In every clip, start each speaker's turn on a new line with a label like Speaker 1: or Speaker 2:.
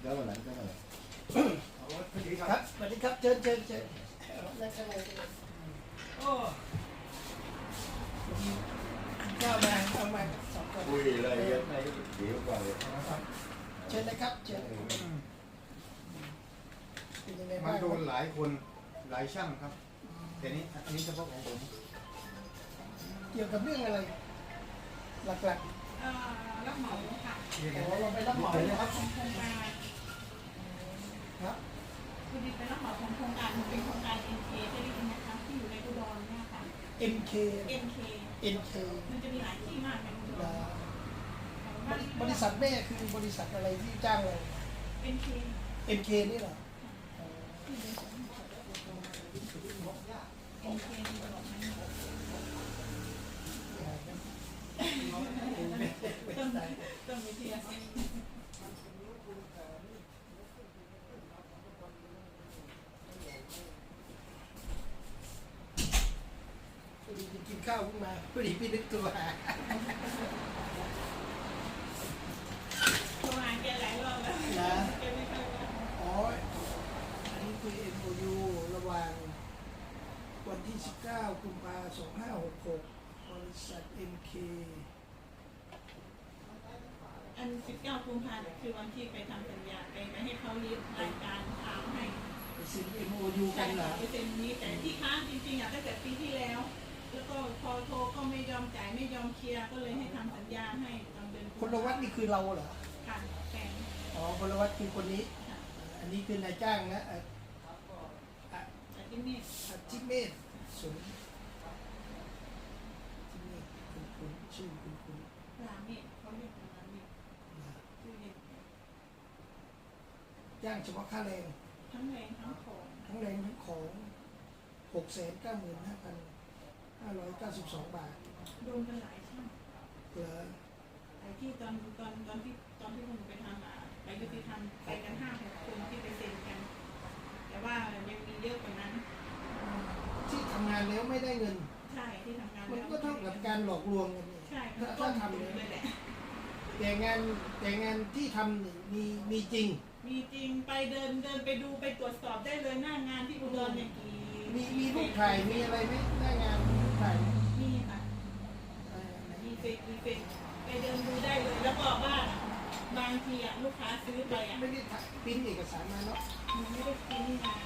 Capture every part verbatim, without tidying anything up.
Speaker 1: แล้ววันนั้นก็มา
Speaker 2: สวัสดีครับสวัสดีครับเชิญเชิญเชิญนั่งข้างในโอ้ข้าวมาเอามาสองคน
Speaker 1: คุยอะไรเยอะในเดี๋ยวก่อนเลย
Speaker 2: เชิญนะครับเชิญ
Speaker 3: มันโดนหลายคนหลายช่างครับแต่นี้อันนี้เฉพาะของผม
Speaker 2: เกี่ยวกับเรื่องอะไรหลักๆรับ
Speaker 4: เหมาค่ะ
Speaker 2: เราไปรับเหมานะครับ
Speaker 4: โครงการ
Speaker 2: ครับ
Speaker 4: คือดีเป็นรับเหมาของโครงการเป็นโครงการ เอ็ม เค ได้ยินนะคะที่อยู่ในอุดรเนี่ยค่ะ
Speaker 2: เอ็ม เค
Speaker 4: เอ็ม เค
Speaker 2: เอ็ม เค
Speaker 4: มันจะมีหลายที่มากในอุดร
Speaker 2: บริษัทแม่คือบริษัทอะไรที่จ้างเรา
Speaker 4: เอ็ม เค
Speaker 2: เอ็ม เค นี่เหรอ
Speaker 4: เอ็ม เค ที่บอกให้ต้นต้นวิทยาศาสตร์
Speaker 2: พอดีกินข้าวขึ้นมาพอดีพี่นึกตัวหา
Speaker 4: โทรหาแกหลายรอบแล้วแกไม่ค่อยว่า
Speaker 2: อ๋ออันนี้คือ เอ็ม โอ ยู ระหว่างวันที่สิบเก้ากุมภาพันธ์สองพันห้าร้อยหกสิบหกบริษัท เอ็ม เค
Speaker 4: อันสิบเก้ากุมภาพันธ์คือวันที่ไปทำสัญญาไปไปให้เขารีบรายการถามให้
Speaker 2: ไปเซ็น เอ็ม โอ ยู กันเหรอ
Speaker 4: ไปเซ็นนี้แต่ที่ค้างจริงๆอ่ะตั้งแต่ปีที่แล้วแล้วก็พอโทรก็ไม่ยอมจ่ายไม่ยอมเคลียร์ก็เลยให้ทำสัญญาให้ตอนเดือน
Speaker 2: คนละวัดนี่คือเราเหรอ
Speaker 4: ค่ะแฟน
Speaker 2: อ๋อคนละวัดคือคนนี้อันนี้คือนายจ้างนะอ่ะ
Speaker 4: อ่ะที่นี่
Speaker 2: อาทิเมธสุนที่นี่คุณคุณชื่อคุณคุณ
Speaker 4: ลาเมธเขาเรียกลาเมธชื่อเด็ก
Speaker 2: จ้างเฉพาะค่าแรง
Speaker 4: ทั้งแรงทั้งของ
Speaker 2: ทั้งแรงทั้งของหกแสนเก้าหมื่นห้าพันห้าร้อยเก้าสิบสองบาท
Speaker 4: โดนกันหลายช่าง
Speaker 2: เหรอ
Speaker 4: ไอ้ที่ตอนตอนตอนที่ตอนที่ผมไปทำอ่ะไปยุติธรรมไปกันห้าหกคนที่ไปเซ็นกันแต่ว่ายังมีเยอะกว่านั้น
Speaker 2: ที่ทำงานแล้วไม่ได้เงิน
Speaker 4: ใช่ที่ทำงาน
Speaker 2: มันก็เท่ากับการหลอกลวงกันนี่
Speaker 4: ใช่
Speaker 2: ถ้าทำเลยแหละแต่งานแต่งานที่ทำนี่มีมีจริง
Speaker 4: มีจริงไปเดินเดินไปดูไปตรวจสอบได้เลยหน้างานที่อุดรเนี่ยกี่
Speaker 2: มีมีรูปถ่ายมีอะไรไหมหน้างานมีรูปถ่าย
Speaker 4: มีค่ะมีเฟซมีเฟซไปเดินดูได้เลยแล้วก็บ้านบางทีอ่ะลูกค้าซื้อไปอ่ะ
Speaker 2: ไม่ได้พิมพ์เอกสารมาเนาะ
Speaker 4: ไม่ได้พิมพ์มา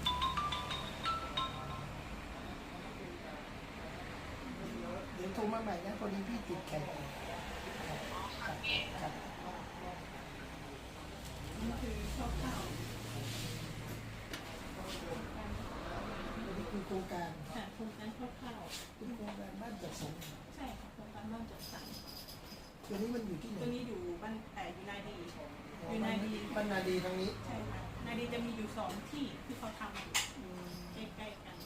Speaker 2: เดี๋ยวโทรมาใหม่นะพอดีพี่ติดแข่งครับ
Speaker 4: นี่คือข้าวข้าว
Speaker 2: อันนี้คือโครงการ
Speaker 4: ค่ะโครงการข้าวข้าว
Speaker 2: เป็นโครงการบ้านจัดสรร
Speaker 4: ใช่ค่ะโครงการบ้านจัดสรร
Speaker 2: ตัวนี้มันอยู่ที่ไหน
Speaker 4: ตัวนี้อยู่บ้านแต่อยู่นาดีอยู่นาดี
Speaker 2: บ้านนาดีทางนี้
Speaker 4: ใช่ค่ะนาดีจะมีอยู่สองที่ที่เขาทำอยู่ใกล้ๆกัน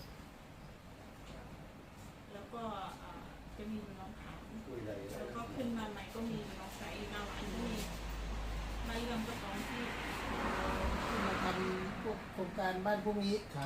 Speaker 4: แล้วก็จะมีน้องขาวแล้วก็ขึ้นมาใหม่ก็มีน้องใสมาหวานที่มาเรื่องก็สองที่
Speaker 2: มาทำพวกโครงการบ้านพวกนี้
Speaker 3: ครับ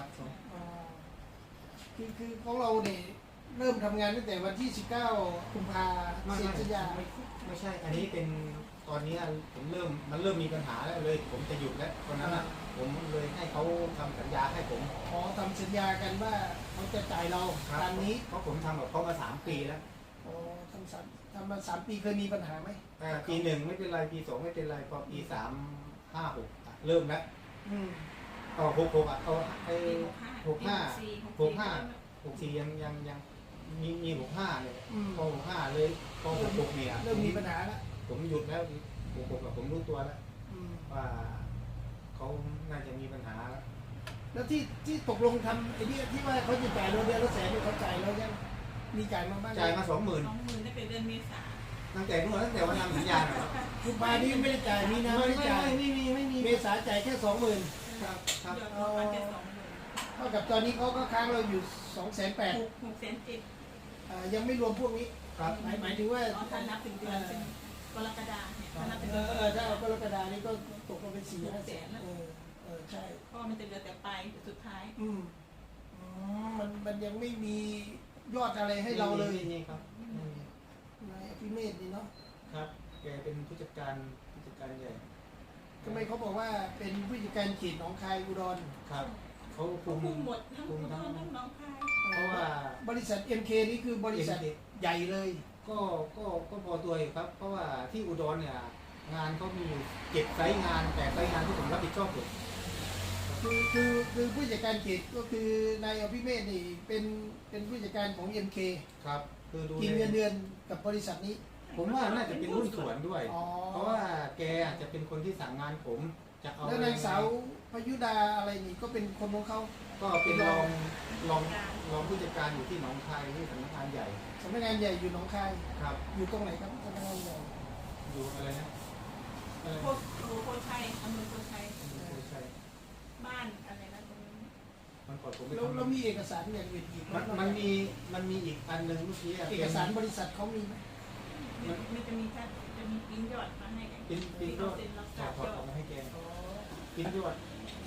Speaker 2: คือคือของเราเนี่ยเริ่มทำงานตั้งแต่วันที่สิบเก้ากุมภาพันธ์เซ็นสัญญา
Speaker 3: ไม่ใช่อันนี้เป็นตอนนี้ผมเริ่มมันเริ่มมีปัญหาแล้วเลยผมจะหยุดแล้วตอนนั้นอ่ะผมเลยให้เขาทำสัญญาให้ผม
Speaker 2: ขอทำสัญญากันว่าเขาจะจ่ายเราตามนี้
Speaker 3: เพราะผมทำกับเขามาสามปีแล้ว
Speaker 2: อ๋อทำสามทำมาสามปีเคยมีปัญหาไหม
Speaker 3: ปีหนึ่งไม่เป็นไรปีสองไม่เป็นไรพอปีสามห้าหกเริ่มแล้วต่อหกหกอ่ะเอาไอ้หกห้าหกห้าหกสี่ยังยังยังมีมีหกห้าเลยพอหกห้าเลยพอหกหกเนี่ย
Speaker 2: เริ่มมีปัญหาแล้ว
Speaker 3: ผมหยุดแล้วหกหกกับผมรู้ตัวแล้วว่าเขาน่าจะมีปัญหาแล้ว
Speaker 2: แล้วที่ที่ตกลงทำไอ้นี่ที่ว่าเขาจะจ่ายเราเดือนละแสนเนี่ยเขาจ่ายเรายังมีจ่ายมาบ้าง
Speaker 3: จ่ายมาสองหมื่น
Speaker 4: สองหมื่นตั้งแต่เดือนเมษา
Speaker 3: ตั้งแต่นู่นตั้งแต่วันทำสัญญาเหรอ
Speaker 2: กุมภาพันธ์นี้ไม่ได้จ่ายมีนาไม่ได้จ่าย
Speaker 3: ไม่มีไม่มี
Speaker 2: เมษาจ่ายแค่สองหมื่น
Speaker 3: ครับครับ
Speaker 2: เท่ากับตอนนี้เขาก็ค้างเราอยู่สองแสนแปด
Speaker 4: หกแสนเจ็ด
Speaker 2: ยังไม่รวมพวกนี้
Speaker 3: ครับ
Speaker 2: หมายหมายถึงว่า
Speaker 4: ถ้านับถึงเดือนเป็นกรกฎาเนี่ยถ้านับเป็น
Speaker 2: เออถ้ากรกฎานี้ก็ตกมาเป็นสี่ห้าแสนเออเออใช่
Speaker 4: เพราะมันจะเหลือแต่ปลายสุดท้าย
Speaker 2: อืมมันมันยังไม่มียอดอะไรให้เราเลย
Speaker 3: นี่ครับ
Speaker 2: นายอภิเมธนี่เนาะ
Speaker 3: ครับแกเป็นผู้จัดการผู้จัดการใหญ่
Speaker 2: ทำไมเขาบอกว่าเป็นผู้จัดการเขตหนองคายอุดร
Speaker 3: ครับเขาคุ
Speaker 4: เขา
Speaker 3: ม
Speaker 4: คุมหมดทั้ง
Speaker 3: คุม
Speaker 4: ทั้
Speaker 3: ทั้
Speaker 4: ง
Speaker 3: ง
Speaker 4: ทั้งน้องคาย
Speaker 3: เพราะว่า
Speaker 2: บริษัท เอ็ม เค นี่คือบริษัท
Speaker 3: เอ็ม เค
Speaker 2: ใหญ่เลย
Speaker 3: ก็ก็ก็พอตัวอยู่ครับ เพราะว่าที่อุดรเนี่ยงานเขามีอยู่เจ็ดไซต์งานแต่ไซต์งานที่ผมรับผิดชอบอยู่
Speaker 2: คือคือคือผู้จัดการเขตก็คือนายอภิเมธนี่เป็นเป็นผู้จัดการของ เอ็ม เค
Speaker 3: ครับ คือดู
Speaker 2: กินเงินเดือนกับบริษัทนี้
Speaker 3: ผมว่าน่าจะเป็นรุ่นส่วนด้วย
Speaker 2: อ๋อ
Speaker 3: เพราะว่าแกอาจจะเป็นคนที่สั่งงานผมจะเอา
Speaker 2: แล้วนางสาวพยุดาอะไรนี่ก็เป็นคนของเขา
Speaker 3: ก็เป็นรองรองรองผู้จัดการอยู่ที่หนองคายที่สำนักงานใหญ่
Speaker 2: สำนักงานใหญ่อยู่หนองคาย
Speaker 3: ครับ
Speaker 2: อยู่ตรงไหนครับสำนักงานใหญ่
Speaker 3: อยู่อะไรนะเออ
Speaker 4: โคโคชัยอำเภอโคชัย
Speaker 3: ไม่ใช่
Speaker 4: บ้านอะไรนะตรงนี้
Speaker 3: มันก่อนผมไป
Speaker 2: แล้ว
Speaker 3: ทำ
Speaker 2: แล้วมีเอกสารอย่างอื่นอีกไห
Speaker 3: มันมันมีมันมีอีกอันหนึ่งเมื่อกี้ะ
Speaker 2: เอกสารบริษัทเขามีไหม
Speaker 4: มันมันจะมีแค่จะมีปิ้นยอดมาให้กัน
Speaker 3: ปิ้นปิ้นยอด
Speaker 4: เซ็นรับ
Speaker 3: ถ
Speaker 4: ท
Speaker 3: อ
Speaker 4: รา
Speaker 3: ด
Speaker 4: บ
Speaker 3: ถอด
Speaker 4: ย
Speaker 3: อ
Speaker 4: อ
Speaker 3: อก
Speaker 4: ด
Speaker 3: มาให้แก
Speaker 2: อ๋อ
Speaker 3: ปิ้นยอด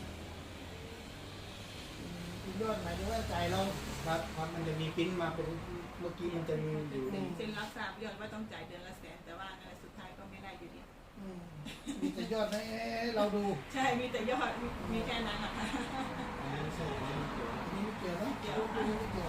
Speaker 2: คุณยอดหมายถึงว่าจ่ายเรา
Speaker 3: ครับครับมันจะมีปิ้นมาเป็นเมื่อกี้มันจะมีอยู่
Speaker 2: อืม
Speaker 4: เซ็นรับทราบยอดว่าต้องจ่ายเดือนละแสนแต่ว่าในสุดท้ายก็ไม่ได้อยู่ดี
Speaker 2: อืมมีแต่ยอดให้เราดู
Speaker 4: ใช่มีแต่ยอดมีมีแค่นั้นแหละค่ะ
Speaker 3: อันนี้ไม่ใช่อันนี้ไม่เกี่ยว
Speaker 2: นี่ไม่เกี่ยวนะ
Speaker 4: เกี่ยว
Speaker 2: ดูนี่ไม่เกี่ยว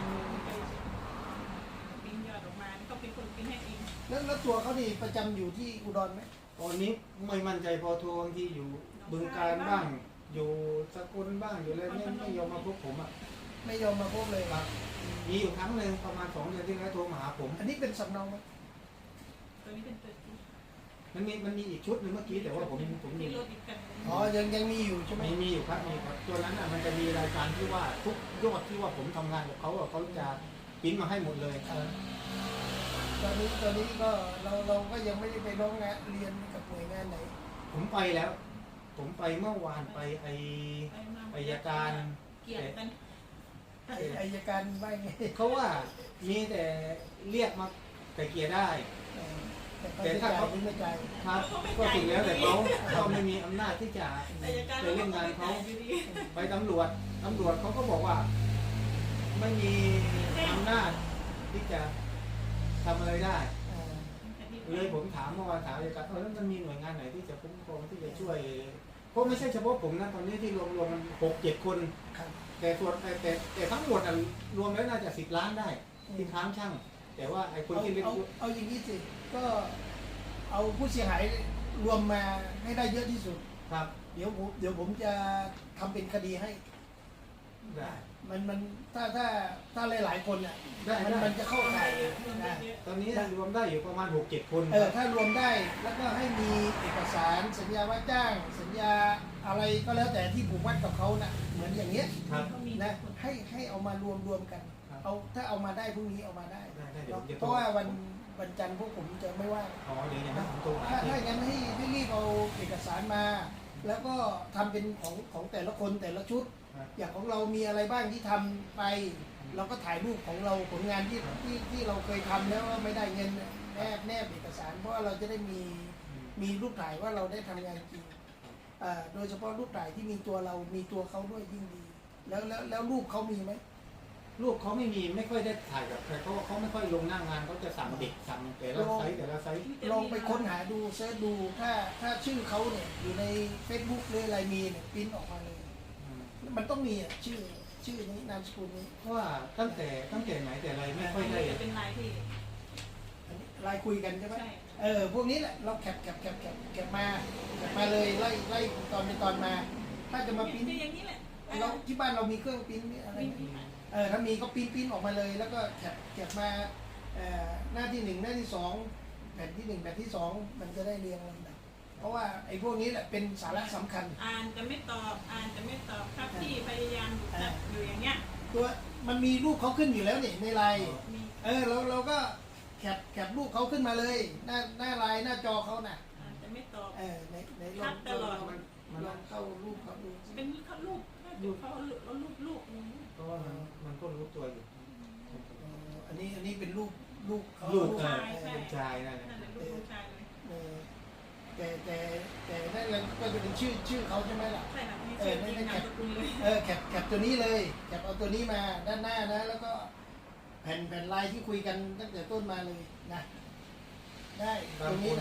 Speaker 4: ปิ้นยอดออกมาก็เป็นคนปิ้นให้เอง
Speaker 2: แล้วแล้วตัวเขานี่ประจำอยู่ที่อุดรไหม
Speaker 3: ตอนนี้ไม่มั่นใจพอโทรบางทีอยู่บึงการบ้าง อยู่สกลบ้างอยู่อะไรไม่ไม่ยอมมาพบผมอ่ะ
Speaker 2: ไม่ยอมมาพบเลย
Speaker 3: ครับมีอยู่ครั้งหนึ่งประมาณสองเดือนที่แล้วโทรมาหาผม
Speaker 2: อันนี้เป็นสำเนาไหม
Speaker 4: ตัวนี้เป็นตัวที่
Speaker 3: มันมีมันมีอีกชุดหนึ่งเมื่อกี้แต่ว่าผมผมมี
Speaker 4: ที่รถอีกกันหนึ่ง
Speaker 2: อ๋อยังยังมีอยู่ใช่ไหม
Speaker 3: มีมีอยู่ครับมีครับตัวนั้นอ่ะมันจะมีรายการที่ว่าทุกยอดที่ว่าผมทำงานกับเขาอ่ะเขาจะปริ้นมาให้หมดเลย
Speaker 2: เออตอนนี้ตอนนี้ก็เราเราก็ยังไม่ได้ไปร้องงานเรียนกับหน่วยงานไหน
Speaker 3: ผมไปแล้ว ผมไปเมื่อวานไปไอ
Speaker 4: ไปมา
Speaker 3: อายการ
Speaker 4: เกลียดกัน
Speaker 2: ไอ้อายการว่าไง
Speaker 3: เขาว่ามีแต่เรียกมาไกลเกลี่ยได้
Speaker 2: เออแต่เขาจะจ่ายหรือไม่จ่าย
Speaker 3: ครับก็สุดแล้วแต่เขาเขาไม่มีอำนาจที่จะ
Speaker 4: อายการ
Speaker 3: ไปเล่นงานเขา
Speaker 4: อยู่ดี
Speaker 3: ไปตำรวจตำรวจเขาก็บอกว่า ไม่มีอำนาจที่จะทำอะไรได้
Speaker 2: เออ
Speaker 3: เลยผมถามเมื่อวานถามเลยกันเออแล้วมันมีหน่วยงานไหนที่จะคุ้มครองที่จะช่วยเพราะไม่ใช่เฉพาะผมนะตอนนี้ที่รวมรวมมันหกเจ็ดคน
Speaker 2: ครับ
Speaker 3: แต่ส่วนแต่แต่แต่ทั้งหมดอะรวมแล้วน่าจะสิบล้านได้ที่ค้างช่าง แต่ว่าไอ้คน
Speaker 2: เอา
Speaker 3: ที่เล่น
Speaker 2: เอาเอาอย่างนี้สิก็เอาผู้เสียหายรวมมาให้ได้เยอะที่สุด
Speaker 3: ครับ
Speaker 2: เดี๋ยวผมเดี๋ยวผมจะทำเป็นคดีให้
Speaker 3: ได้
Speaker 2: มันมันถ้าถ้าถ้าหลายๆคนอ่ะ
Speaker 3: ได้
Speaker 2: มัน
Speaker 3: ได้
Speaker 2: มันจะเข้าข่าย
Speaker 4: เยอะรวมได้
Speaker 2: นะ
Speaker 4: เยอะ
Speaker 3: ตอนนี้รวมได้อยู่ประมาณหกเจ็ดคน
Speaker 2: เออถ้ารวมได้แล้วก็ให้มีเอกสารสัญญาว่าจ้าง สัญญาอะไรก็แล้วแต่ที่ผูกมัดกับเขาน่ะเหมือนอย่างเงี้ย
Speaker 3: ครับ
Speaker 4: เขามี
Speaker 2: นะให้ให้เอามารวมรวมกัน
Speaker 3: ครับ
Speaker 2: เอาถ้าเอามาได้พรุ่งนี้เอามาได้
Speaker 3: ได้ได้เดี๋ยวผมจะ
Speaker 2: เพราะว่าวันวันจันทร์พวกผมจะไม่ว่าง
Speaker 3: อ๋อเดี๋ยวอย่างนั้นผมโทรหา
Speaker 2: ถ้า
Speaker 3: ที่
Speaker 2: ถ้าอย่างนั้นให้ให้รีบเอาเอกสารมา แล้วก็ทำเป็นของของแต่ละคนแต่ละชุด
Speaker 3: ครับ
Speaker 2: อย่างของเรามีอะไรบ้างที่ทำไป เราก็ถ่ายรูปของเราผลงานที่ที่ที่เราเคยทำแล้วว่าไม่ได้เงินเนี่ยแนบแนบเอกสาร เพราะว่าเราจะได้มีมีรูปถ่ายว่าเราได้ทำงานจริงอ่าโดยเฉพาะรูปถ่ายที่มีตัวเรามีตัวเขาด้วยยิ่งดี แล้วแล้วแล้วรูปเขามีไหม
Speaker 3: ลูกเขาไม่มีไม่ค่อยได้ถ่ายกับใครเพราะว่าเขาไม่ค่อยลงหน้างานเขาจะสั่งเด็กสั่งแต่ละไซส์แต่ละไซส์
Speaker 2: ลองไปค้นหาดูเซิร์ชดูถ้าถ้าชื่อเขาเนี่ยอยู่ใน Facebook หรืออะไรมีเนี่ยปริ้นออกมาเลย
Speaker 3: อืม
Speaker 2: มันต้องมีอ่ะชื่อชื่อนี้นามสกุลนี้
Speaker 3: เพราะว่าตั้งแต่ตั้งแต่ไหนแต่ไรไม่ค่อยได้
Speaker 4: จะเป็นลายที่
Speaker 2: อันนี้ไลน์คุยกันใช่ไหม
Speaker 4: ใช่
Speaker 2: เออพวกนี้แหละเราแคปแคปแคปแคปแคปมาแคปมาเลยไล่ไล่ตอนเป็นตอนมา ถ้าจะมาปริ้น
Speaker 4: อย่างนี้แหละ
Speaker 2: เราที่บ้านเรามีเครื่องปริ้นอะไร
Speaker 4: มี
Speaker 2: ไหม
Speaker 4: มี
Speaker 2: เออถ้ามีก็ปริ้นปริ้นออกมาเลย แล้วก็แคปแคปมาเอ่อหน้าที่หนึ่งหน้าที่สองแผ่นที่หนึ่งแผ่นที่สองมันจะได้เรียงลำดับเพราะว่าไอ้พวกนี้แหละเป็นสาระสำคัญ
Speaker 4: อ่านจะไม่ตอบอ่านจะไม่ตอบครับพี่พยายามอยู่อยู่อย่างเงี้ย
Speaker 2: ตัวมันมีรูปเขาขึ้นอยู่แล้วนี่ในไลน์
Speaker 4: มี
Speaker 2: เออเราเราก็แคปแคปรูปเขาขึ้นมาเลย หน้าหน้าไลน์หน้าจอเขาน่ะ
Speaker 4: อ่านจะไม่ตอบ
Speaker 2: เออในในล
Speaker 4: ทั
Speaker 2: อง
Speaker 4: กตลอด
Speaker 3: มันมัน
Speaker 2: ลองเข้ารูปเขาดูสิ
Speaker 4: เป็นเขาลูกลูกเขาลูกลูกลูก
Speaker 3: เพราะว่ามันมันก็รู้ตัวอยู่
Speaker 2: เอออันนี้อันนี้เป็นรูปรูปเขา
Speaker 3: ลูก
Speaker 2: เอ
Speaker 3: เอ
Speaker 2: อ
Speaker 3: อเป็นชายนั่นแหละ
Speaker 4: นั่นแหละลูกผู้ชายเลย
Speaker 2: เออแต่แต่แต่นั่นแหละก็จะเป็นชื่อชื่อเขาใช่ไหมล่ะ
Speaker 4: ใช่ค่ะมีชื่อจริงนามสกุลเลย
Speaker 2: เออแคปแคปตัวนี้เลยแคปเอาตัวนี้มาด้านหน้านะ แล้วก็แผ่นแผ่นไลน์ที่คุยกันตั้งแต่ต้นมาเลยนะได้
Speaker 3: บา
Speaker 2: ต
Speaker 3: ง
Speaker 2: รง
Speaker 3: ค
Speaker 2: นี้
Speaker 3: น
Speaker 2: นะ
Speaker 3: อ่ะ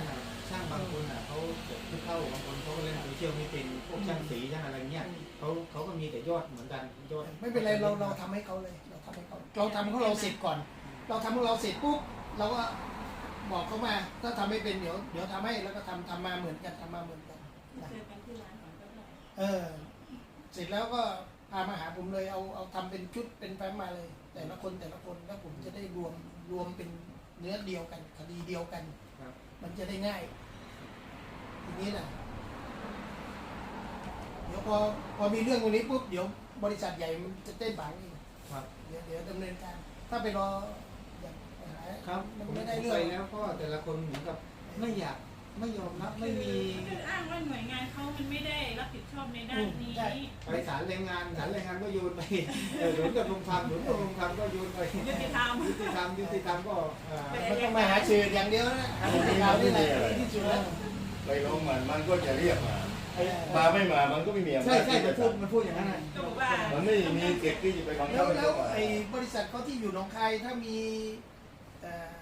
Speaker 3: ช่างบางคนอ่ะเขาจบที่เข้าบางคนเขาก็เล่นโซเชียลไม่เป็นพวกช่างสีช่างอะไรเงี้ยเขาเขาก็มีแต่ยอดเหมือนกันยอด
Speaker 2: ไม่เป็นไรเราเราทำให้เขาเลยเราทำให้เขาเราทำของเราเสร็จก่อน เราทำของเราเสร็จปุ๊บเราก็บอกเขามาถ้าทำไม่เป็นเดี๋ยวเดี๋ยวทำให้แล้วก็ทำทำมาเหมือนกันทำมาเหมือนกันนะ
Speaker 4: เจอกันที่ร้านก่อนก็ได้
Speaker 2: เออเสร็จแล้วก็พามาหาผมเลยเอาเอาทำเป็นชุดเป็นแฟ้มมาเลย แต่ละคนแต่ละคนแล้วผมจะได้รวมรวมเป็นเนื้อเดียวกันคดีเดียวกัน
Speaker 3: ครับ
Speaker 2: มันจะได้ง่ายทีนี้นะเดี๋ยวพอพอมีเรื่องตรงนี้ปุ๊บเดี๋ยวบริษัทใหญ่มันจะเต้นบังเอง
Speaker 3: ครับ
Speaker 2: เดี๋ยวเดี๋ยวดำเนินการ ถ้าไปรออย่างไปหา
Speaker 3: ครับ
Speaker 2: มัน
Speaker 3: ผม
Speaker 2: ไม่ได้
Speaker 3: ผม
Speaker 2: เรื่อ
Speaker 3: ไป
Speaker 2: ง
Speaker 3: แล้วก็แต่ละคนเหมือนกับไม่อยากไม่ยอมรับไม่มี
Speaker 4: คืออ้างว่าหน่วยงานเขามันไม่ได้รับผิดชอบในด้านนี้
Speaker 3: ไปศาลแรงงานศาลแรงงานก็โยนไปเออหนุนกับโรงพักหนุนกับโรงพักก็โยนไป
Speaker 4: ยุติธรรม
Speaker 3: ยุติธรรมยุติธรรมก็เอ่อ
Speaker 2: มันต้องมาหาสื่ออย่างเดียวนะหาสื่อข่าวนี่แหละดีที่สุดแล้ว
Speaker 1: ไปร้องมันมันก็จะเรียกมามาไม่มามันก็ไม่มีอำนาจ
Speaker 3: ใช่ใช่มันพูดมันพูดอย่างนั้นนะ
Speaker 4: ก็บอกว่า
Speaker 1: มันไม่มีเก็บที่จะไปบัง
Speaker 2: แล้
Speaker 1: คั
Speaker 2: ว
Speaker 1: บให้
Speaker 2: แล้
Speaker 1: เขา
Speaker 2: ว
Speaker 1: มา
Speaker 2: ไอ้บริษัทเขาที่อยู่หนองคายถ้ามีเอ่อ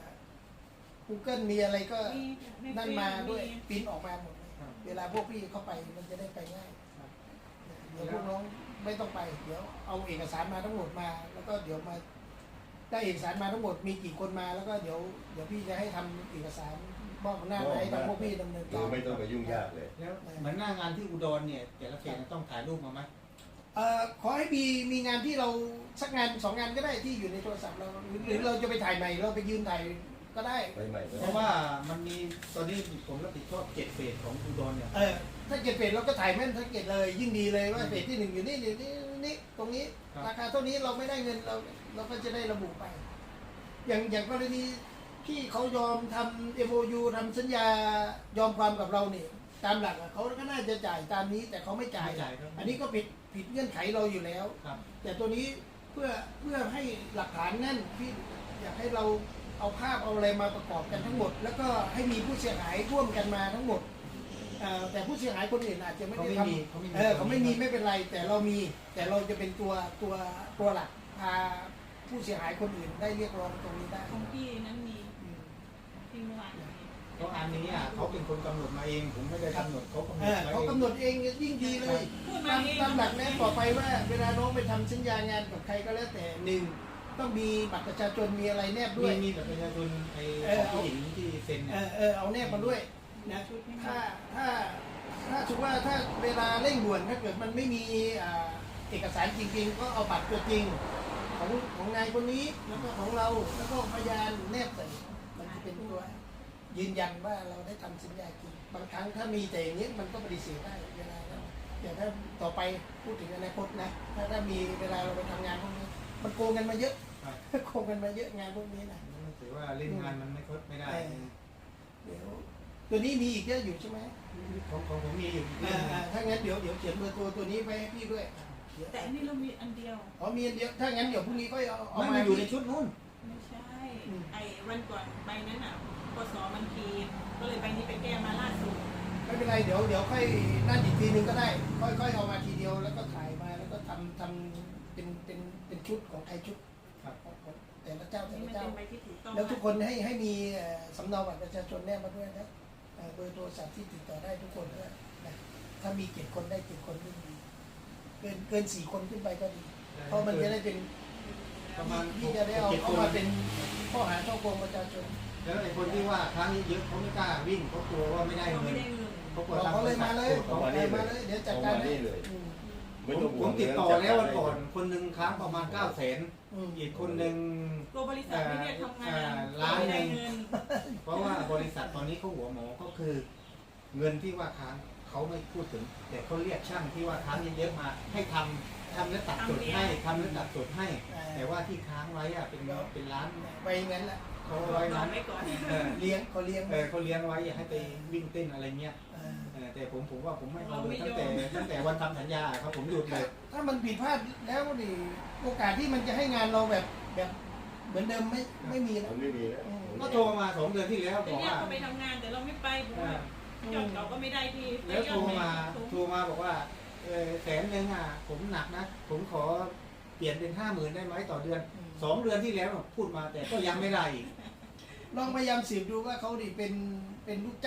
Speaker 2: Google มีอะไรก็นั่นมาด้วยปริ้นออกมาหมดเลยเวลาพวกพี่เข้าไปมันจะได้ไปง่ายเดี๋ยวพวกน้องไม่ต้องไปเดี๋ยวเอาเอกสารมาทั้งหมดมา แล้วก็เดี๋ยวมาได้เอกสารมาทั้งหมดมีกี่คนมาแล้วก็เดี๋ยวเดี๋ยวพี่จะให้ทำเอกสารมอบอำนาจให้ทางพวกพี่ดำเนิน
Speaker 1: โด
Speaker 2: การ
Speaker 1: ยไม่ต้องไปยุ่งยากเลย
Speaker 3: แล้วเหมือนหน้างานที่อุดรเนี่ยแต่ละเขตต้องถ่ายรูปมาไหม
Speaker 2: เอ่อขอให้มีมีงานที่เราสักงานสองงานก็ได้ที่อยู่ในโทรศัพท์เราหรือหรือเราจะไปถ่ายใหม่เราไปยืนถ่ายก็ได้
Speaker 1: ไปใหม่ก็
Speaker 3: เพ
Speaker 1: ได้
Speaker 3: ราะว่ามันมีตอนนี้ผมรับผิดชอบเจ็ดเฟสของอุดรเนี่ย
Speaker 2: เออถ้าเก็บเฟสเราก็ถ่ายแม่นถ้าเก็บเลยยิ่งดีเลยว่าเฟสที่หนึ่งอยู่นี่อยู่นี่นี่ตรงนี้ราคาเท่านี้เราไม่ได้เงินเราเราก็จะได้ระบุไป อย่างอย่างกรณีที่เขายอมทำ เอ็ม โอ ยู ทำสัญญายอมความกับเราเนี่ยตามหลักอะเขาก็น่าจะจ่ายตามนี้แต่เขาไม่จ่าย
Speaker 3: ไม่จ่ายครับ
Speaker 2: อันนี้ก็ผิดผิดเงื่อนไขเราอยู่แล้ว
Speaker 3: ครับ
Speaker 2: แต่ตัวนี้เพื่อเพื่อให้หลักฐานแน่นพี่อยากให้เราเอาภาพเอาอะไรมาประกอบกันทั้งหมด แล้วก็ให้มีผู้เสียหายร่วมกันมาทั้งหมดเอ่อแต่ผู้เสียหายคนอื่นอาจจะไม่
Speaker 3: เขา
Speaker 2: ได้
Speaker 3: ไม่
Speaker 2: ท
Speaker 3: มีเขาไม่มี
Speaker 2: ำเออเขาไม่มีไม่เป็นไร แต่เรามีแต่เราจะเป็นตัวตัวตัวหลักพาผู้เสียหายคนอื่นได้เรียกร้องตรงนี้ได้
Speaker 4: ของพี่นั้นมี
Speaker 2: อืม
Speaker 4: ที่เมื่อวานมี
Speaker 3: เพราะอันนี้อ่ะเขาเป็นคนกำหนดมาเองผมไม่ได้กำหนดเขากำหน
Speaker 2: เอ
Speaker 3: ด
Speaker 2: อ
Speaker 3: ไว้
Speaker 2: เขากำหนดเองยิ่งดีเลย
Speaker 4: พูด
Speaker 2: ตาม
Speaker 4: เอง
Speaker 2: ตามหลักแนะต่อไปว่า เวลาน้องไปทำสัญญางานกับใครก็แล้วแต่หนึ่งต้องมีบัตรประชาชนมีอะไรแนบ
Speaker 3: ด้
Speaker 2: ด้
Speaker 3: ว
Speaker 2: วย ย
Speaker 3: มีแบบประชาชนไอ้
Speaker 2: เออ
Speaker 3: ของผู้หญิงที่เซ็น
Speaker 2: เอ
Speaker 3: เนี่ย
Speaker 2: อเออเอาแนบมาด้วยนะถ้าถ้าถ้าถือว่าถ้าเวลาเร่งด่วนถ้าเกิดมันไม่มีอ่าเอกสารจริงๆ ก็เอาบัตรตัวจริงของของนายคนนี้แล้วก็ของเราแล้วก็พยานแนบใส่มันจะเป็นตัวยืนยันว่าเราได้ทำสัญญาจริงบางครั้งถ้ามีแต่อย่างนี้มันก็ปฏิเสธได้เวลานั้นอย่างถ้าต่อไปพูดถึงอนาคตนะถ้าถ้ามีเวลาเราไปทำงานพวกนี้มันโกงกันมาเยอะ โกงกันมาเยอะงานพวกนี้นะ
Speaker 3: ถือว่าเล่นงานมันไม่คดไม่ได้
Speaker 2: เดี๋ยวตัวนี้มีอีกเยอะอยู่ใช่ไหม
Speaker 3: ของของผมมีอยู่
Speaker 2: อ่าอ่าถ้างั้นเดี๋ยวเดี๋ยวเขียนเบอร์ตัวตัวนี้ไปให้พี่ด้วยเดี๋ยว
Speaker 4: แต่อันนี้เรามีอันเดียว
Speaker 2: อ๋อมีอันเดียวถ้างั้นเดี๋ยวพรุ่งนี้ก็เอาเอา
Speaker 3: ไม่
Speaker 2: มา
Speaker 3: มันอยู่ในชุดนู้น
Speaker 4: ไม่ใช่
Speaker 2: อืม
Speaker 4: ไอ้วันก่อนใบนั้นอ่ะปสมันพีก็เลยใบนี้ไปแก้มาล่าสุด
Speaker 2: ไม่เป็นไรเดี๋ยวเดี๋ยวค่อยนั่นอีกทีนึงก็ได้ ค่อยค่อยเอามาทีเดียวแล้วก็ถ่ายมาแล้วก็ทำทำเป็นเป็นเป็นชุดของใครชุด
Speaker 3: ครับ
Speaker 2: ของของแต่ละเจ้าแต่
Speaker 4: นี่
Speaker 2: ละ
Speaker 4: มัน
Speaker 2: เจ้า
Speaker 4: เป็นใบที่ถูกต้อง
Speaker 2: แล้วทุกคนให้ให้มีเอ่อสำเนาบัตรประชาชนแนบมาด้วยนะเอ่อเบอร์โทรศัพท์ที่ติดต่อได้ทุกคนด้วยนะถ้ามีเจ็ดคนได้เจ็ดคนก็ดีเกินเกินสี่คนขึ้นไปก็ดี เพราะมันจะได้เป็น
Speaker 3: ประมาณ
Speaker 2: ที่จะได้เอาเอามาเป็นข้อหาช่อโกงประชาชน
Speaker 3: แล้วไอ้คนที่ว่าครั้งเยอะๆเขาไม่กล้าวิ่งเขากลัวว่าไม่ได้
Speaker 4: เรา
Speaker 3: เงิ
Speaker 4: ไม่
Speaker 3: น
Speaker 4: ได้เงิน
Speaker 3: เขากลั
Speaker 2: บ
Speaker 3: ว
Speaker 2: อก
Speaker 3: ทาง
Speaker 2: เขาเลยมาเลย
Speaker 3: เขา
Speaker 2: บอกเลยมาเลยเดี๋ยวจัดการให้อืม
Speaker 3: ผ
Speaker 1: ไม่
Speaker 3: ม
Speaker 1: ต้อง
Speaker 3: ผ
Speaker 1: ห่ว
Speaker 3: ม
Speaker 1: ง
Speaker 3: ติดต่อแล้ววันก่อนคนหนึ่งค้างประมาณเก้าแสน
Speaker 2: อืม
Speaker 3: อีกคนหนึ่ง
Speaker 4: ตัวบริษัทไม่ได้ทำงาน
Speaker 3: ล้าน
Speaker 4: ไม่
Speaker 3: ห
Speaker 4: ได้
Speaker 3: นึ่ง
Speaker 4: เงิน
Speaker 3: เพราะว่าบริษัทตอนนี้เขาหัวหมอก็คือ เงินที่ว่าค้างเขาไม่พูดถึง แต่เขาเรียกช่างที่ว่าค้างเยอะๆมาให้ทำทำแล้วตัดสดให้ทำแล้วตัดสดให้ แต่ว่าที่ค้างไว้อะเป็นเป็นล้าน
Speaker 2: ไปงั้นแหละ
Speaker 3: เขา
Speaker 4: รอ
Speaker 3: ไว้
Speaker 4: รอ
Speaker 3: นั้น
Speaker 4: ไว้ก่อน
Speaker 3: เออ
Speaker 2: เลี้ยงเขาเลี้ยง
Speaker 3: เออเขาเลี้ยงไว้อย่าให้ไปวิ่งเต้นอะไรเงี้ย
Speaker 2: เออ
Speaker 3: เออแต่ผมผมว่าผมไม่เอาเลยตั้งแต่ตั้งแต่วันทำสัญญาครับผมหยุดเลย
Speaker 2: ถ้ามันผิดพลาดแล้วนี่โอกาสที่มันจะให้งานเราแบบแบบเหมือนเดิมไม่ไม่มีแล้ว
Speaker 1: มันไม่มีแล้ว
Speaker 3: ก็โทรมาสองเดือนที่แล้ว
Speaker 4: แต่
Speaker 3: บอก
Speaker 4: เนี่ย
Speaker 3: ว่า
Speaker 4: เขาไปทำงานแต่เราไม่ไปเพราะว่ายอดเราก็ไม่ได้ที่
Speaker 3: แล้วโทรมาโทรมาบอกว่าเออแสนหนึ่งอ่ะผมหนักนะ ผมขอเปลี่ยนเป็นห้าหมื่นได้ไหมต่อเดือนสองเดือนที่แล้วพูดมาแต่ก็ยังไม่ได้อีก
Speaker 2: ลองพยายามสืบดูว่าเขาดิเป็นเป็นลูกจ้าง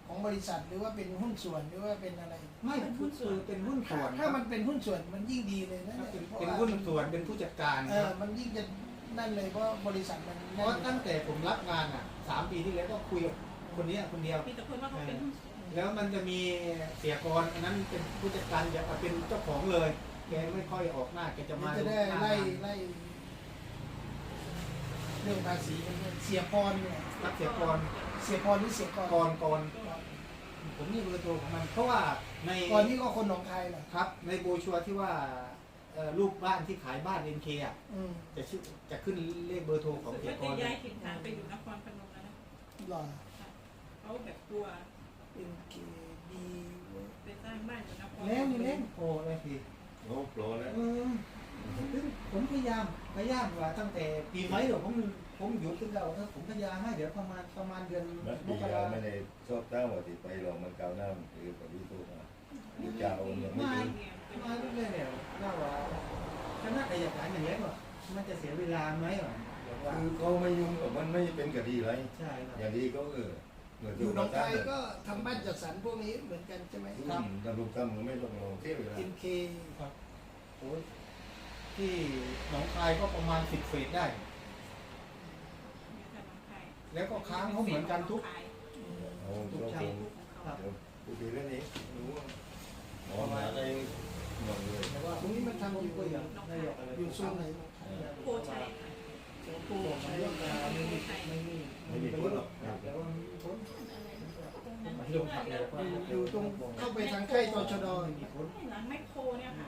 Speaker 2: ของบริษัทหรือว่าเป็นหุ้นส่วนหรือว่าเป็นอะไร
Speaker 3: ไม่เป็นหุ้นส่วนเป็นหุ้นส่วน
Speaker 2: ถ้ามันเป็นหุ้นส่วนมันยิ่งดีเลยนะ
Speaker 3: ครับ
Speaker 2: เนี่ย
Speaker 3: เป็น
Speaker 2: พราะ
Speaker 3: เป็น
Speaker 2: ว่า
Speaker 3: หุ้นส่วนเป็นผู้จัดการ
Speaker 2: เอ
Speaker 3: ค
Speaker 2: อ
Speaker 3: รับ
Speaker 2: มันยิ่งจะนั่นเลยเพราะบริษัทมัน
Speaker 3: เพราะตั้งแต่ผมรับงานอ่ะสามปีที่แล้วก็คุยกับคนเนี้ยคนเดียว
Speaker 4: มีแต่คนว่าเขาเป็นหุ้นส่วน
Speaker 3: แล้วมันจะมีเสียกรอันนั้นเป็นผู้จัดการจะเป็นเจ้าของเลยแกไม่ค่อยออกหน้าแกจะมา
Speaker 2: จะได้
Speaker 3: หน้า
Speaker 2: ไล่ไล่เรื่องภาษีมันเสียพรเนี่ย
Speaker 3: รับเสียกร
Speaker 2: เสียพรหรือเสียกร
Speaker 3: กรกรผมนี่เบอร์โทรของมันเพราะว่าใน
Speaker 2: ก่อนนี่ก็คนหนองคายเหรอ
Speaker 3: ครับในโบรชัวร์ที่ว่าเอ่อรูปบ้านที่ขายบ้านเอ็นเคอ่ะ
Speaker 2: อืม
Speaker 3: จะชื่อจะขึ้นเลขเบอร์โทรของ
Speaker 4: สุด
Speaker 3: เสีย
Speaker 4: ท้าย
Speaker 3: ก
Speaker 4: จะ
Speaker 3: ร
Speaker 4: ย้ายถิ่นฐานไปอยู่นครพนมแล้วนะ
Speaker 2: หล่อ
Speaker 4: เขาแบบกลัว
Speaker 2: เป็นเกดี
Speaker 4: ไปสร้างบ้านอยู่นคร
Speaker 3: แล้วนี่เล่นโอ้เลยพี่
Speaker 1: โอ้โปรแล้ว
Speaker 3: เออผมพยายามพยายามว่าตั้งแต่ปีไหมเดี๋ยวผมผมหยุดขึ้นแล้วเออผมพยายามให้เดี๋ยวประมาณประมาณเดือน
Speaker 1: มัน
Speaker 3: ม
Speaker 1: ปี
Speaker 3: ก
Speaker 1: เรา
Speaker 3: รา
Speaker 1: ไม่ได้ชอบตั้งว่าที่ไปลองมันเก่าหน้ามันคือกับที่ตัวมาหรือจะเอายังไม่
Speaker 3: มา
Speaker 1: ถึง
Speaker 3: มาเรื่อยๆเนี่ยน่าว่าคณะอายการอย่างเงี้ยว่ะมันจะเสียเวลาไหมวะเดี๋ยวว่า
Speaker 1: คือเขาไม่ยุ่งกับมันไม่เป็นคดีอะไร
Speaker 3: ใช่ครับ
Speaker 1: อย่างนี้ก็เออเหมือน
Speaker 2: อยู่หนองคายก็ทำบ้านจัดสรรพวกนี้เหมือนกันใช่ไหม
Speaker 1: ครับตำรวจทำมันไม่ลงลงเที่ยวเวลา
Speaker 2: เอ็นเค
Speaker 3: โอ้ยที่หนองคายก็ประมาณสิบเฟสได้ แล้วก็ค้างเขาเหมือนกันทุก
Speaker 1: เอาตัวคง
Speaker 3: ครับ
Speaker 1: เดี๋ยวกูดูเรื่องนี้รู้ว่าหมอมาได้หมดเลย
Speaker 3: แต่ว่า
Speaker 2: ตรงนี้มันทำอยู่
Speaker 3: ก็อยากได้อยากอะไร
Speaker 2: อยู่โซนไหน
Speaker 4: โพชัย
Speaker 2: เจ้าปู
Speaker 3: บอกมา
Speaker 2: ใช้
Speaker 3: เรื่องการไม่มีไม่มีไม่มีพ้นหรอกแต่ว่ามีพ้นไม่ลงทับเลยว่า
Speaker 2: อยู่ตรงเข้าไปทางใกล้ตชด
Speaker 3: ไม่มีพ้น
Speaker 4: หลังแมคโครเนี่ยค่ะ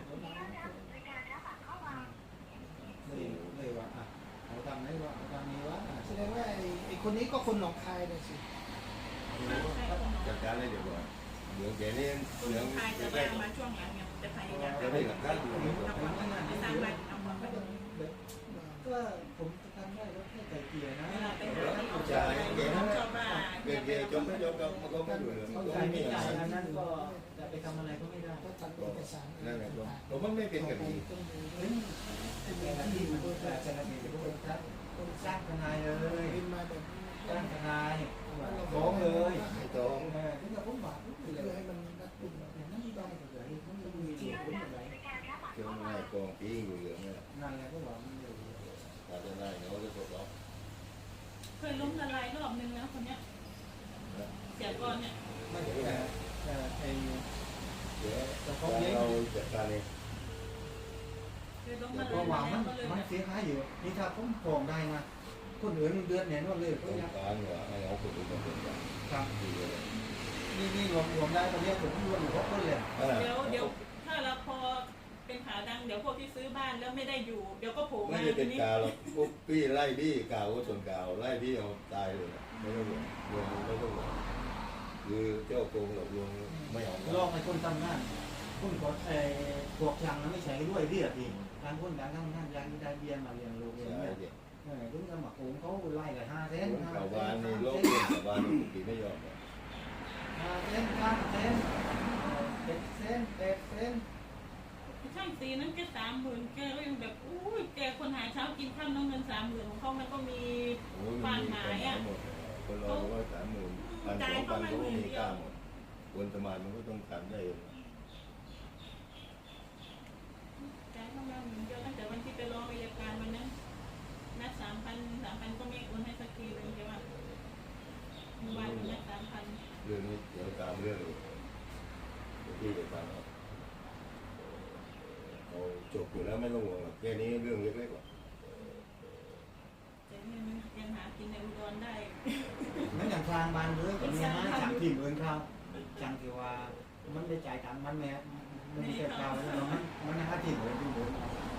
Speaker 3: เลยเลยว่าอ่ะเขาทำไหนว่าเขาทำนี้วะ
Speaker 2: แสดงว่าไอ้ไอ้คนนี้ก็คนหนองคายเลยสิ
Speaker 1: จัดการเลยเดี๋ยวก่อนเดี๋ยวแกนี่
Speaker 4: คน
Speaker 1: เดี๋ยว
Speaker 4: ไทยจะ
Speaker 1: แก
Speaker 4: มามาช่วงหลังเนี่ยจะพยายาม
Speaker 1: จะได้หลักฐานอยู่
Speaker 4: นครพนมจะสร้างบ้านนครพนม
Speaker 3: ก็ผมจะทำได้แล้วแค่ใจเกลียนะ
Speaker 4: เวลาไปหาที่เขาจะไปชอบบ้าน
Speaker 1: เกย์เกย์จมไม่จมก็มันก็ไม่อยู่เลยมัน
Speaker 3: เข้า
Speaker 1: ก็
Speaker 3: ใจ
Speaker 1: ไม่มี
Speaker 3: ไม่
Speaker 1: อะ
Speaker 3: ใจ
Speaker 1: ไร
Speaker 3: อันนั้นก็จะไปทำอะไรก็ไม่ได้
Speaker 2: ก็ทำเอกสาร
Speaker 1: นั่นแหละครับผมมันไม่เป็นคดี
Speaker 2: ต้องดู
Speaker 3: เฮ้ยเป็นอะไรที่มันแต่แต่ละทีก็เป็นจ้างเป็นจ้างทนายเลย
Speaker 2: เป็นมาแบบนี้
Speaker 3: จ้างทนายฟ้องเลย
Speaker 1: ไม่ต้อง
Speaker 3: เออถึงกับผมบาดเลย
Speaker 2: เพื่อให้มันรัดกุม
Speaker 3: อย่างนั้นได้เลยมันจะมีที่ผลอะไร
Speaker 1: เจ้าหน้ายกองปีอยู่เหลืองเนี่ย
Speaker 3: นั่นแหละก็บอกมันอยู่
Speaker 1: อาจจะได้เขาจะตกล็อก
Speaker 4: เคยล้มละลายรอบนึงแล้วคนเนี้ยเสียก่อนเนี่ย
Speaker 3: ไม่แต่แต่ไอ้
Speaker 1: เดี๋ยวเราจัดการเอง
Speaker 4: เคยล้ม
Speaker 3: แต่
Speaker 4: ละ
Speaker 3: ก็
Speaker 4: ลาย
Speaker 3: ว่ามัน
Speaker 4: ก็เลย
Speaker 3: มันเสียหายอยู่นี่ถ้าผมฟ้องได้นะคนอื่นเดือนเนี่ยนวดเลย
Speaker 1: ต้
Speaker 3: ก็
Speaker 1: อง
Speaker 3: ยัง
Speaker 1: การว่าให้เอาคนอื่นมาเป็นกัน
Speaker 3: ครับ
Speaker 1: ดีเลย
Speaker 3: นี่นี่รวมรวมได้ตอนนี้ผมรวมอยู่ครบคนเลย
Speaker 4: เดี๋ยวเดี๋ยวถ้าเราพอเป็นขาดังเดี๋ยวพวกที่ซื้อบ้านแล้วไม่ได้อยู่เดี๋ยวก็โผล่
Speaker 1: ไม่
Speaker 4: มา
Speaker 1: ได้
Speaker 4: ที
Speaker 1: เป็น
Speaker 4: นี้
Speaker 1: กาวหรอกพวกพี่ไล่พี่กาวก็ส่วนกาวไล่พี่เอาตายเลยไม่ต้องห่วงรวมไม่ต้องห่วงคือเจ้าโกงหลอกลวงไม่เอา
Speaker 3: ลอกให้คนทำงานคนกดไอ้พวกช่างมันไม่ใช่ด้วยเรียกอีกการคนการทำงานยางได้เบียนมาเรียนรู้เรียน
Speaker 1: ใช่
Speaker 3: เนี่ย
Speaker 1: เด็ก
Speaker 3: เออถึงจะมาโกงเขาไล่เลยห้าเซน
Speaker 1: คน
Speaker 3: ห้า
Speaker 1: ข่าว
Speaker 3: เซ
Speaker 1: วาน
Speaker 3: น
Speaker 1: นี่
Speaker 3: ห้า
Speaker 1: โลก
Speaker 3: เซ
Speaker 1: เรื่อน งข่าววานปีไม่ยอม
Speaker 3: ห้าเซนห้าเซนเจ็ดเซนแปดเซน
Speaker 4: ช่างตีนั้นแกสามหมื่นแกก็ยังแบบอุ้ยแกคนหาเช้ากินข้าวน้องเงินสามหมื่นของเขามันก็มี
Speaker 1: โอ้ยมันมีคนทั้งหมดคนเราก็สามหมื่นพันสองพันก็มีกล้าหมดคนสมานมันก็ต้องทำได้
Speaker 4: จ่ายเข้ามาหมื่นเดียวตั้งแต่วันที่ไปร้องอัยการวันนั้นนัดสามพันสามพันก็ไม่โอนให้สักทีเลยแกว่าเมื่อวานนัดสามพัน
Speaker 1: เรื่องนี้เดี๋ยวตามเรื่องเลยพี่จะตามเอาเอาจบอยู่แล้วไม่ต้องห่วงหรอกแค่นี้เรื่องเล็กๆกว่า
Speaker 4: แต่เนี่ยมันยังหากินในอุดรได้
Speaker 3: นั่นอย่างทางบ้านเลยแต่เนี่ยนะช่างที่เหมือนเขาช่างที่ว่ามันได้จ่ายตังค์มันแม่มันมีแต่เราแล้วมันมันหาที่เหมือนที่เหมือน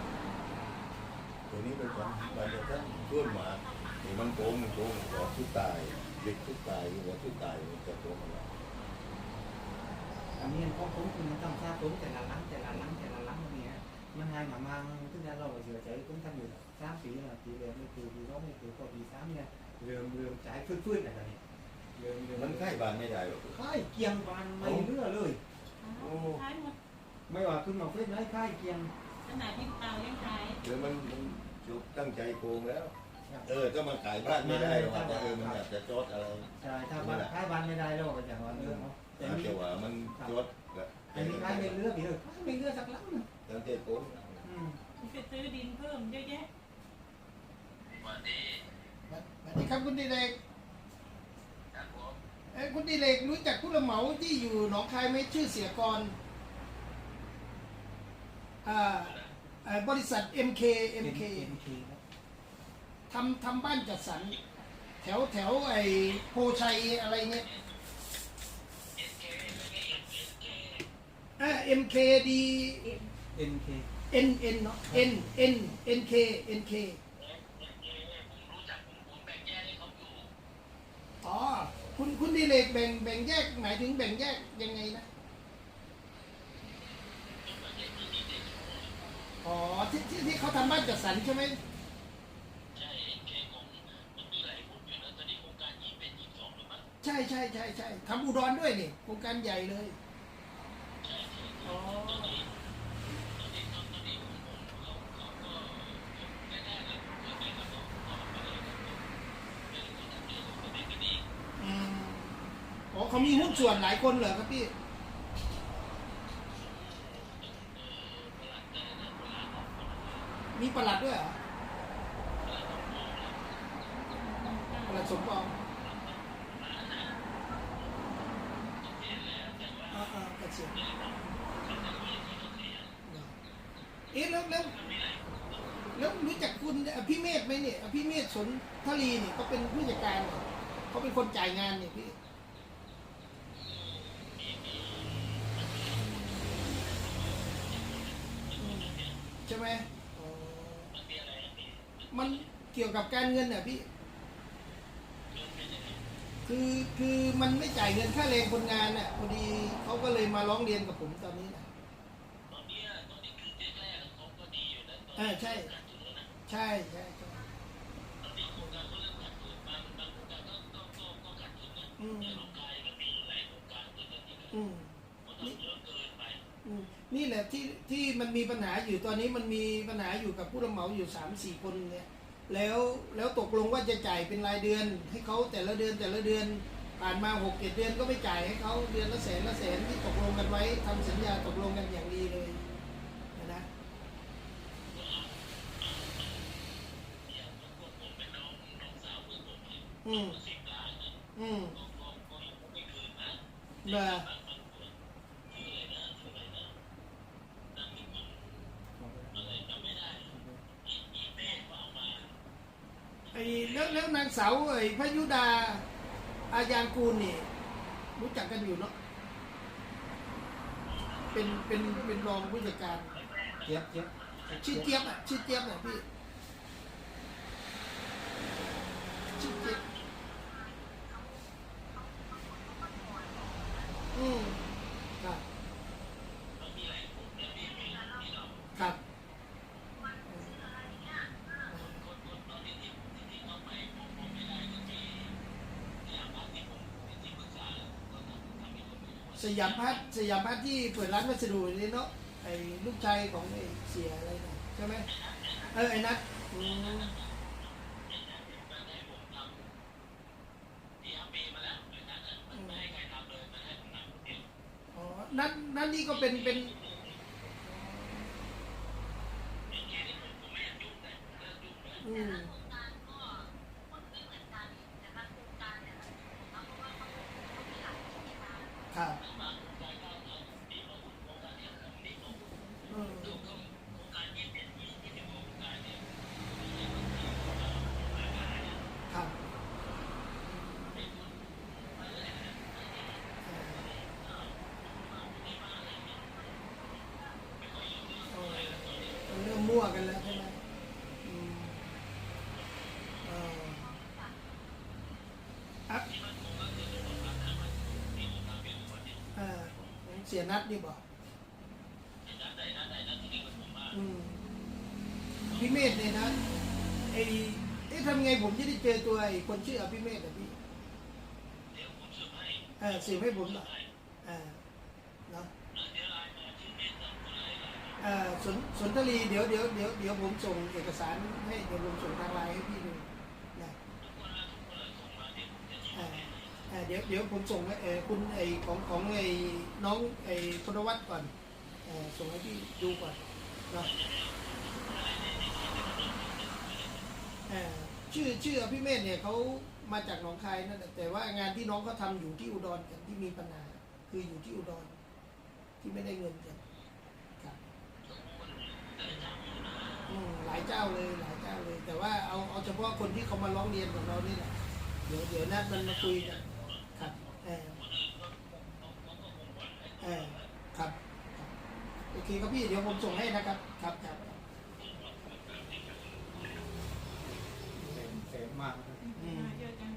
Speaker 1: ตัวนี้เป็นความบางท่านต้นมาที่มันโกงมันโกงหลอกทุกตายเด็กทุกตายหัวทุกตายมันจะโกงมัน
Speaker 3: อันนี้เขาคุ้มคุณต้องทราบคุ้มแต่ละหลังแต่ละหลังแต่ละหลังเนี่ยมันให้มามั่งซึ่งเราเสียใจคุ้มทำอยู่สามปีละปีเดียวไม่ปีปีสองไม่ปีก็ปีสามเนี่ยเริ่มเริ่มจ่ายฟื้นๆอะไรนี่เริ่มเริ่ม
Speaker 1: มันใกล้บานไม่ได้หรอก
Speaker 3: ค่ายเกียงบานไม่เลือเลย
Speaker 4: ขายหมด
Speaker 3: ไม่ว่าขึ้นมาเฟซไหนค่ายเกียง
Speaker 4: ขนาดที่เตายังขาย
Speaker 1: เดี๋ยวมันมันตั้งใจโกงแล้ว
Speaker 3: ใ
Speaker 1: เออก็มันขายบ้านไม่ได้หรอกแต่เออมันอยากจะจดอะไร
Speaker 3: ใช่ถ้าบ้านถ้าบ้านไม่ได้เราก็จะว่าเออเอาแต่
Speaker 1: แต่
Speaker 3: มี
Speaker 1: เกี่ยวว่ามันจดกับ
Speaker 3: แต่มีใครไม่เลือกอีกเลยไม่เลือกสักลังนึง
Speaker 1: ตั้งแต่ปุ๊บ
Speaker 3: อืม
Speaker 4: ไปซื้อดินเพิ่มเยอะแยะ
Speaker 2: สวัสดีครับคุณดิเลกเอ้ยคุณดิเลกรู้จักผู้รับเหมาที่อยู่หนองคายไหมชื่อเสียกรอ่าอ่าบริษัท เอ็ม เค เอ็ม เค
Speaker 3: เอ็มเคครับ
Speaker 2: ทำทำบ้านจัดสรรแถวแถวไอ้โพชัยอะไรเงี้ยอ่า เอ็ม เค ดี
Speaker 3: เอ็นเค
Speaker 2: N N เนาะ N N N K N K อ๋อคุณคุณดิเลกแบ่งแบ่งแยกหมายถึงแบ่งแยกยังไงนะอ๋อที่ที่ที่เขาทำบ้านจัดสรรใช่ไหมใช่ใช่ใช่ใช่ทำอุดรด้วยนี่โครงการใหญ่เลยอ๋ออืมอ๋อเขามีหุ้นส่วนหลายคนเหรอครับพี่มีประหลัดด้วยเหรอประหลัดสมปองอ่าอ่าเกษียณเอ๊ะแล้วแล้วแล้วรู้จักคุณอภิเมธไหมเนี่ยอภิเมธสนทลีเนี่ยเขาเป็นผู้จัดการเนี่ยเขาเป็นคนจ่ายงานเนี่ยพี่อืมใช่ไหมอ๋อมันเกี่ยวกับการเงินเนี่ยพี่ คือคือมันไม่จ่ายเงินค่าแรงคนงานน่ะพอดีเขาก็เลยมาร้องเรียนกับผมตอนนี้นะอ่าใช่ใช่ใช่ใช่อืมอืมนี่อืมนี่แหละที่ที่มันมีปัญหาอยู่ตอนนี้มันมีปัญหาอยู่กับผู้รับเหมาอยู่สามสี่คนเนี่ยแล้วแล้วตกลงว่าจะจ่ายเป็นรายเดือนให้เขาแต่ละเดือนแต่ละเดือนผ่านมาหกเจ็ดเดือนก็ไม่จ่ายให้เขาเดือนละแสนละแสนที่ตกลงกันไว้ทำสัญญาตกลงกันอย่างดีเลยนะอืมอืมเบอร์ไอ้แล้วแล้วนางสาวไอ้พยุดาอายางกูลนี่รู้จักกันอยู่เนาะเป็นเป็นเป็นรองผู้จัดการ
Speaker 3: เจี๊ยบเจี๊ยบ
Speaker 2: ชื่อเจี๊ยบอ่ะชื่อเจี๊ยบอ่ะพี่ชื่อเจี๊ยบอืมครับครับสยามพัฒน์สยามพัฒน์ที่เปิดร้านวัสดุนี่เนาะไอ้ลูกชายของไอ้เสียอะไรนะใช่ไหมเออไอ้นัทอืมอ๋อนัทนัทนี่ก็เป็นเป็นอืมครับอืมครับเออเริ่มมั่วกันแล้วใช่ไหมอืมเอออ่ะเออเสียนัดนี่บอกอืมพี่เมธเนี่ยนะไอ้เอ๊ะทำไงผมจะได้เจอตัวไอ้คนชื่ออภิเมธอ่ะพี่เออสืบให้ผมหน่อยเออเนาะเออสนสนทรีเดี๋ยวเดี๋ยวเดี๋ยวเดี๋ยวผมส่งเอกสารให้เดี๋ยวผมส่งทางไลน์ให้พี่ดูอ่าเดี๋ยวเดี๋ยวผมส่งให้เออคุณไอของของไอน้องไอพลวัตก่อนเออส่งให้พี่ดูก่อนเนาะเออชื่อชื่อพี่เมธเนี่ยเขามาจากหนองคายนั่นแหละแต่ว่างานที่น้องเขาทำอยู่ที่อุดรกันที่มีปัญหาคืออยู่ที่อุดรที่ไม่ได้เงินกันครับอืมหลายเจ้าเลยหลายเจ้าเลย แต่ว่าเอาเอาเฉพาะคนที่เขามาร้องเรียนกับเรานี่แหละเดี๋ยวเดี๋ยวนัดมันมาคุยกันครับเออเออครับครับโอเคครับพี่เดี๋ยวผมส่งให้นะครับครับครับ
Speaker 3: เต็มเต็มมากนะครับ
Speaker 2: อืม
Speaker 4: เยอะจัง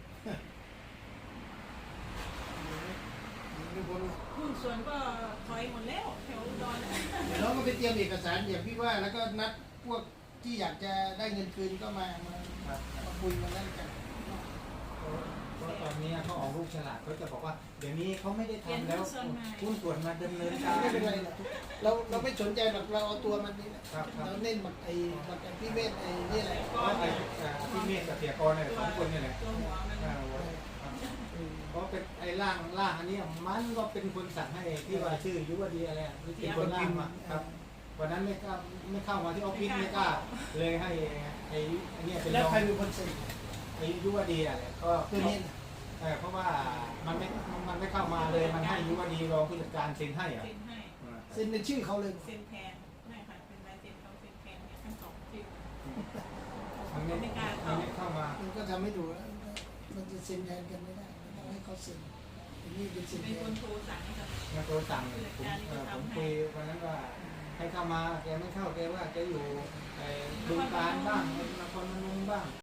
Speaker 2: ไม่พ้นหรอก
Speaker 4: หุ้นส่วนก็ถอยหมดแล้วแถวอุดรนะ
Speaker 2: เดี๋ยวเราก็ไปเตรียมเอกสารอย่างพี่ว่าแล้วก็นัดพวกที่อยากจะได้เงินคืนก็มามา
Speaker 3: ครับ
Speaker 2: มาคุยมานั่นกัน
Speaker 3: เพราะตอนนี้เขาออกรูปฉลากเขาจะบอกว่าเดี๋ยวนี้เขาไม่ได้ทำแล้วหุ้นส่วนมาดำเนินการ
Speaker 2: ไม่เป็นไรหรอกเราเราไม่สนใจหรอกเราเอาตัวมันนี่แหละ
Speaker 3: ครับครับ
Speaker 2: เราเน้นบักไอ้บักไอ้พี่เวทไอ้นี่แหละ
Speaker 3: เพราะไอ้อ่าพี่เมฆกับเสียกรเนี่ยสองคนเนี่ยแหละ
Speaker 4: ตัวหัวมัน
Speaker 3: อ่าครับ
Speaker 2: อืม
Speaker 3: เพราะเป็นไอ้ร่างร่างอันนี้มันก็เป็นคนสั่งให้ที่ว่าชื่อยุวดีอะไรอ่ะเป็นคนร่างมาครับวันนั้นไม่กล้าไม่เข้ามาที่ออฟฟิศไม่กล้าเลยให้ไอ้ไอ้เนี่ยเป็น
Speaker 2: แล้ว
Speaker 3: รอง
Speaker 2: ใครเป็นคนเซ็น
Speaker 3: ไอ้ยุวดีอะไรก็
Speaker 2: ตัวนี้นะ
Speaker 3: เออเพราะว่ามันไม่มันไม่เข้ามาเลยมันให้ยุวดีรองผู้จัดการเซ็นให้อ่ะ
Speaker 4: เซ็นให้
Speaker 3: อ่า
Speaker 2: เซ็นเป็นชื่อเขาเลย
Speaker 4: เซ็นแทนไม่ค่ะเป็นลายเซ็นเขาเซ็นแทนเนี่ยทั้งสองที่
Speaker 3: มันไม่มันไม่เข้ามา
Speaker 2: มันก็ทำให้ดูแล้วมันจะเซ็นแทนกันไม่ได้มันต้องให้เขาเซ็นอันนี้เป็นเซ็น
Speaker 4: เป็
Speaker 2: แท
Speaker 4: นคน นโทรสั่งให้กับ
Speaker 3: มันโทรสั่งผมเออผมคุยวันนั้นว่าให้เข้ามาแกไม่เข้าแกว่าแกอยู่ไอ้บึงการบ้างนครพนมบ้าง